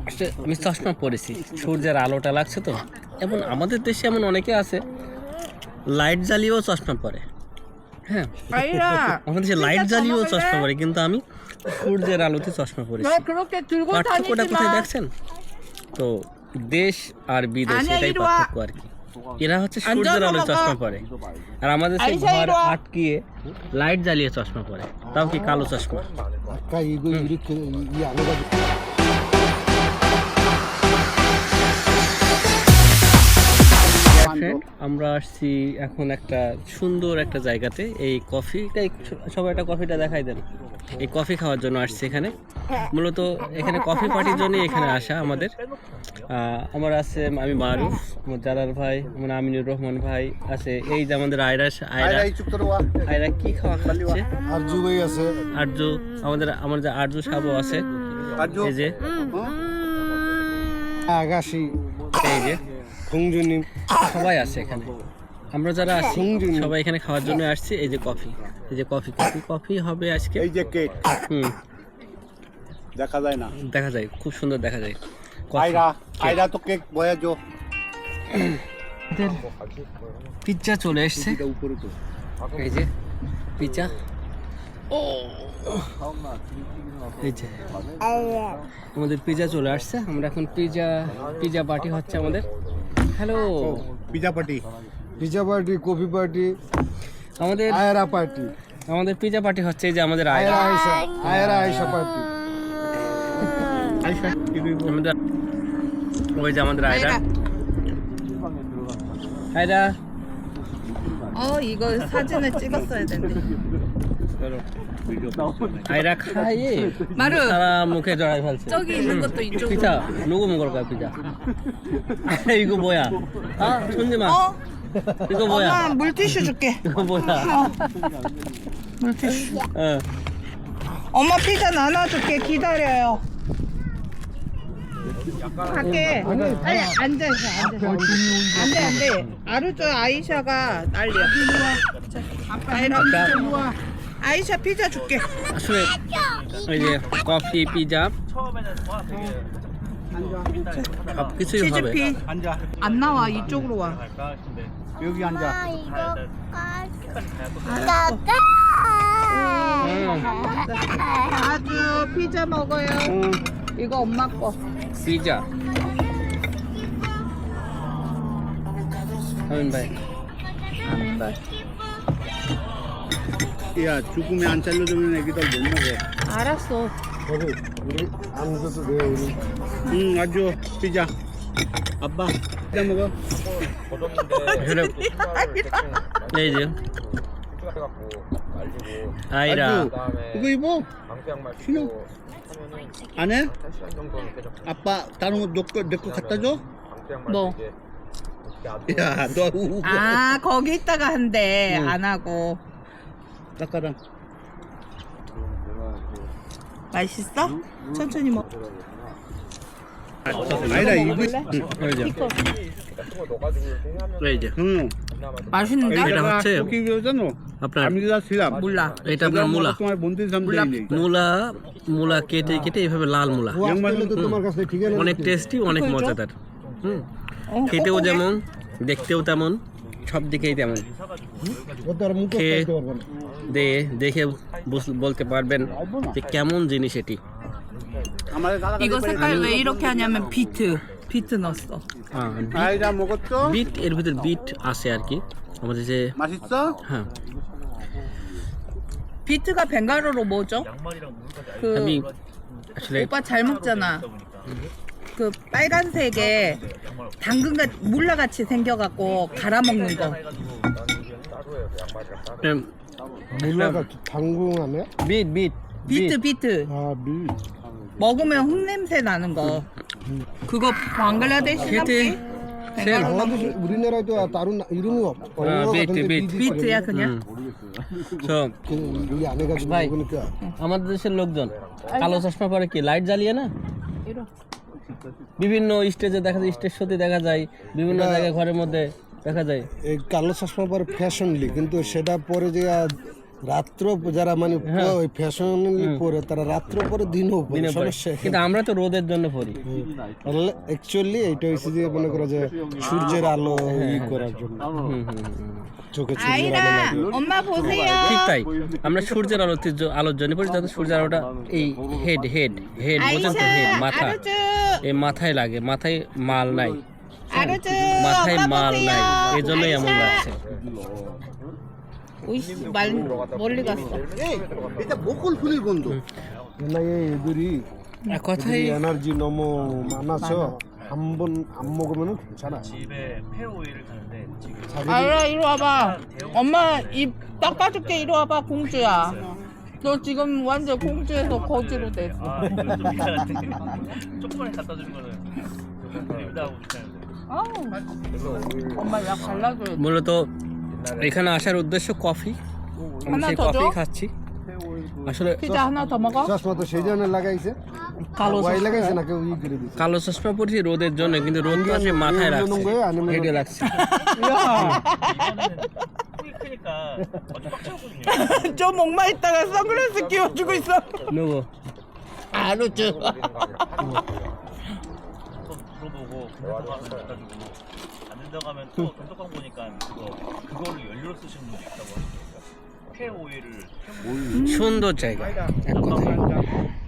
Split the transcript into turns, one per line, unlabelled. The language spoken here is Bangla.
আমি চশমা পরেছি, সূর্যের আলোটা লাগছে তো। এবং আমাদের দেশে এমন অনেকে আছে লাইট জ্বালিয়েও চশমা পরে। হ্যাঁ, আমাদের দেশে লাইট জ্বালিয়েও চশমা পরে, কিন্তু আমি সূর্যের আলোতে চশমা পরেছি। পার্থক্যটা কোথায় দেখছেন? তো দেশ আর বিদেশ এটাই পার্থক্য আর কি। এরা হচ্ছে সূর্যের আলোয় চশমা পরে, আর আমাদের সেই ঘর আটকিয়ে লাইট জ্বালিয়ে চশমা পরে, তাও কি কালো চশমা। আমরা আসছি এখন একটা সুন্দর একটা জায়গাতে। এই কফিটাই সবাই একটা কফিটা দেখাই দেন। এই কফি খাওয়ার জন্য আসছি এখানে। মূলত এখানে কফি পার্টির জন্যই এখানে আসা আমাদের। আমার আছে, আমি মারুফ, আমার জালাল ভাই, আমার আমিনুর রহমান ভাই আছে। এই যে আমাদের আয়রা কি খাওয়া খাচ্ছে,
আরজু ভাই আছে,
আরজু আমার যে আরজু সাবু আছে, এই যে
আগাশি,
এই যে
খুংজুনি,
সবাই আছে এখানে। আমরা যারা আছি সবাই এখানে খাওয়ার জন্য আসছি। এই যে কফি, এই যে কফি কফি কফি হবে আজকে।
এই যে কেক, দেখা যায় না,
দেখা যায়, খুব সুন্দর দেখা যায়।
আয়রা তো কেক বয়াজো।
পিৎজা চলে এসছে, এই যে পিৎজা। এই যে আমাদের পিৎজা চলে আসছে। আমরা এখন পিৎজা পার্টি হচ্ছে আমাদের। Hello,
pizza party, coffee party,
আমাদের
আয়রা পার্টি,
আমাদের পিৎজা পার্টি হচ্ছে। এই যে আমাদের
আয়রা আয়সা পার্টি,
আমাদের ওই যে আমাদের আয়রা।
이거 사진을 찍었어야 되는데.
아이라 খাইয়ে
마루
সারা মুখে জড়াই ফেলছে।
저기 있는 것도 이쪽으로.
피자 누구 먹을 거야 피자? 이거 뭐야? 아 손님아. 이거 뭐야?
엄마 물티슈 줄게.
이거 뭐야?
물티슈.
어.
엄마 피자 나눠줄게. 기다려요. 갈게. 아니 앉아있어. 안돼. 아루저 아이샤가 난리야. 아이샤 피자 줄게.
আসলে এই যে কফি পিজা সব কিছুই হবে।
치즈피. 안 나와 이쪽으로 와.
여기 앉아.
아주 피자 먹어요. 이거 엄마 거.
পিজা 하민 ভাই।
야, 죽으면 안 잘라주면 애기들 못 먹어.
알았어.
우리 아무것도 돼 우리. 아주 피자. 아빠 피자 먹어.
আসলে এই যে আয়রা
이거 입어. 신어. 안 해? 아빠 다른 거내거 갖다 줘?
뭐?
야, 너 우고.
아 거기 있다가 한대. 안 하고.
깎아라.
맛있어? 천천히 먹.
아니다 이거.
এই যে এই যে
응.
맛있는데?
এটা হচ্ছে
여기 그러잖아.
আপনার
아미다 시람.
몰라.
এটা আপনার মূলা।
তোমার বন্ধু সামনে নেই।
মূলা কেটে কেটে এইভাবে লাল মূলা,
তোমার কাছে ঠিক আছে।
অনেক টেস্টি, অনেক মজাদার। খেতেও যেমন, দেখতেও তেমন, সব দিকেই তেমন। খেয়ে দেখে বলতে পারবেন যে কেমন জিনিস এটি।
이거 색깔 왜 이렇게 하냐면 비트 넣었어.
아이다 먹었죠?
বিট, এর ভিতর বিট আছে আর কি আমাদের যে।
맛있어?
হ্যাঁ,
비트가 벵가로로 뭐죠? 그
আমি আসলে
오빠 잘 먹잖아. 그 빨간색에 당근같 물라같이 생겨갖고 갈아 먹는 거.
몰라가 당근 아니야?
বিট
비트. 먹으면 흙냄새 나는 거. 그거 방글라데시
খেতে সেম
바ংলাদেশ 우리나라도 다른 이름이 없어.
비트야 그냥.
তো
여기 안 해가지고
ভাই,
먹으니까.
আমাদের দেশের লোকজন কালো চশমা পরে কি লাইট জ্বালিয়ে না? বিভিন্ন স্টেজে দেখা যায়, স্টেজ শোতে দেখা যায়, বিভিন্ন জায়গায় ঘরের মধ্যে দেখা যায়।
এই কালো চশমা পরে ফ্যাশনলি, কিন্তু সেটা পরে যে
রাত্র যারা মানে ফ্যাশনালি পরে তারা রাত্র পরে দিনও পরে
দিনে পরে।
সমস্যা
কিন্তু আমরা তো রোদের জন্য পরি।
অ্যাকচুয়ালি এটা হচ্ছে যে মনে করো যে সূর্যের আলো ই করার জন্য চোখে সূর্যের আলো
아이라
লাগে।
엄마 보세요.
ঠিক তাই, আমরা সূর্যের আলোর জন্য পরি, যাতে সূর্যের আলোটা এই হেড বোঝেন তো, হেড মাথা,
아르즈
এই মাথায় লাগে, মাথায় মাল নাই,
아르즈
মাথায়
엄마
মাল নাই,
보세요.
এই জন্যই এমন লাগছে।
오이씨 말 멀리 갔어.
এটা বকুল ফুলের গন্ধ।
না এই এদুরি
এক কথাই
에너지 너무 많아서 한번 안 먹으면 괜찮아.
집에 폐오일을 가는데 지금
아이라 이리 와봐. 엄마 입 닦아줄게. 이리 와봐 공주야. 너 지금 완전 공주에서 거지로 됐어.
아 이거 좀 미안한데 조금만 갖다 주는 거는 재밌다고 괜찮은데
아우. 엄마 약 발라줘야 돼.
মূলত এখানে আসার উদ্দেশ্য কফি, আমি
하나
সেই
더
কফি
줘?
খাচ্ছি। আসলে
피자 하나 더 먹어?
চশমা তো সেই জন্য লাগাইছে
কালো
ওয়াই লাগাইছে না কেউ ই করে দিছে
কালো চশমা পরেছি রোদের জন্য, কিন্তু রোদ তো আসে মাথায়
이거는
লাগছে,
거예요? 아니면
হেডে লাগছে।
야,
폭이 크니까 완전 꽉 차거든요
저 목마 있다가 선글라스 끼워주고 있어.
নেবো
아르즈.
또 물어보고 괜찮다고 하면 갖다 주고 안 된다고 하면 또 단톡방 보니까 그거를 연료로 쓰시는 분도 있다고 하더라고요 폐오일을
সুন্দর জায়গা এক কথায়।